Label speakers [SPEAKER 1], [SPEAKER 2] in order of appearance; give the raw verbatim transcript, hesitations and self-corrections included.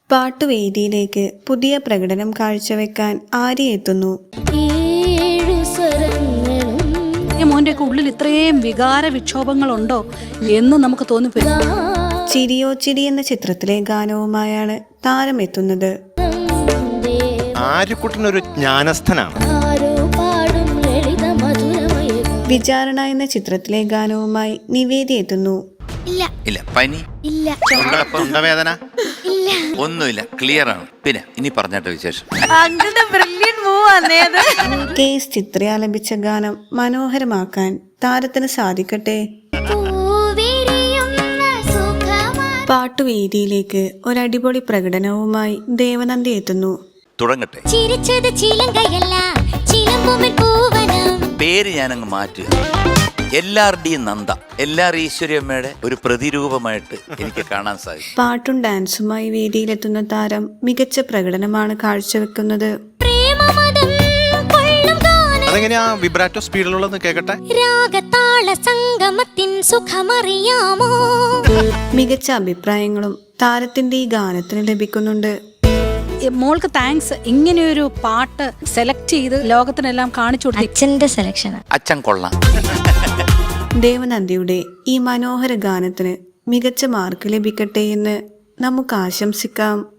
[SPEAKER 1] പാട്ടുവേദിയിലേക്ക് പുതിയ പ്രകടനം കാഴ്ചവെക്കാൻ ആര്യ എത്തുന്നു.
[SPEAKER 2] മോന്റെയൊക്കെ ഉള്ളിൽ ഇത്രയും വികാര വിക്ഷോഭങ്ങളുണ്ടോ എന്ന് നമുക്ക് തോന്നിപ്പോയി.
[SPEAKER 1] ചിരിയോ ചിരി എന്ന ചിത്രത്തിലെ ഗാനവുമായാണ് താരം എത്തുന്നത്.
[SPEAKER 3] ആര്യക്കുട്ടനൊരു ജ്ഞാനസ്ഥനാണ്.
[SPEAKER 1] വിചാരണ എന്ന ചിത്രത്തിലെ ഗാനവുമായി നിവേദി എത്തുന്നു.
[SPEAKER 4] ഇല്ല പനി ഇല്ല, തൊണ്ടവേദന ഇല്ല, ഒന്നുമില്ല, ക്ലിയർ ആണ്. പിന്നെ ഇനി പറഞ്ഞിട്ട് വിശേഷം.
[SPEAKER 1] കെ എസ് ചിത്ര ആലപിച്ച ഗാനം മനോഹരമാക്കാൻ താരത്തിന് സാധിക്കട്ടെ. പാട്ടുവേദിയിലേക്ക് ഒരടിപൊളി പ്രകടനവുമായി ദേവനന്ദി എത്തുന്നു.
[SPEAKER 4] തുടങ്ങട്ടെ. പേര് ഞാനങ്ങ് മാറ്റുക. എല്ലാവരുടെയും നന്ദ, എല്ലാവരും ഈശ്വരിയമ്മയുടെ ഒരു പ്രതിരൂപമായിട്ട് എനിക്ക് കാണാൻ സാധിക്കും.
[SPEAKER 1] പാട്ടും ഡാൻസുമായി വേദിയിലെത്തുന്ന താരം മികച്ച പ്രകടനമാണ് കാഴ്ചവെക്കുന്നത്.
[SPEAKER 3] അതെങ്ങനെയാ വിബ്രാറ്റോ സ്പീഡിലുള്ളതെന്ന് കേൾക്കട്ടെ.
[SPEAKER 1] മികച്ച അഭിപ്രായങ്ങളും താരത്തിന്റെ ഈ ഗാനത്തിന് ലഭിക്കുന്നുണ്ട്.
[SPEAKER 2] മോൾക്ക് താങ്ക്സ്. ഇങ്ങനെയൊരു പാട്ട് സെലക്ട് ചെയ്ത് ലോകത്തിനെല്ലാം കാണിച്ചു കൊടുത്തു.
[SPEAKER 5] അച്ഛന്റെ സെലക്ഷൻ.
[SPEAKER 4] അച്ഛൻ കൊള്ളാം.
[SPEAKER 1] ദേവനന്ദിയുടെ ഈ മനോഹര ഗാനത്തിന് മികച്ച മാർക്ക് ലഭിക്കട്ടെ എന്ന് നമുക്ക് ആശംസിക്കാം.